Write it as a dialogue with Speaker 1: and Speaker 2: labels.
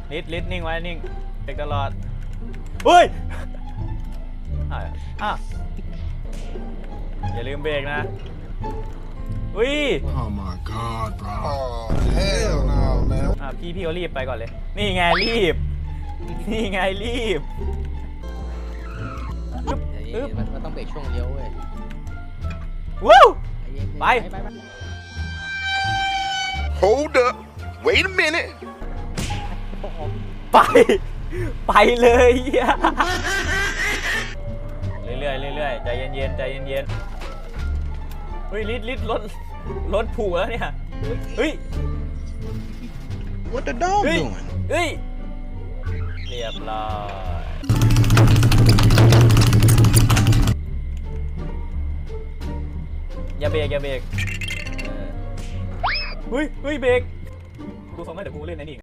Speaker 1: ลิดนิ่งไว้นิ่งเด็กตลอดเฮ้ยอย่าลืมเบรกนะอุ้ย
Speaker 2: Oh my god bro
Speaker 3: Oh hell no man
Speaker 1: พี่เขารีบไปก่อนเลยนี่ไงรีบ
Speaker 4: มันต้องเบรกช่วงเลี้ยวเว้ย
Speaker 1: วู้ไป
Speaker 3: Hold up wait a minute
Speaker 1: ไปเลยเรื่อยใจเย็นเฮ้ยลิดรถผูกแล้วเนี่ยเฮ้ย
Speaker 3: What the dog
Speaker 1: เฮ้ย
Speaker 3: doing
Speaker 1: เฮ้ยเรียบร้อยอย่าเบรกเฮ้ยเบรกดูทรงไหมเดี๋ยวกูเล่นไอ้นี่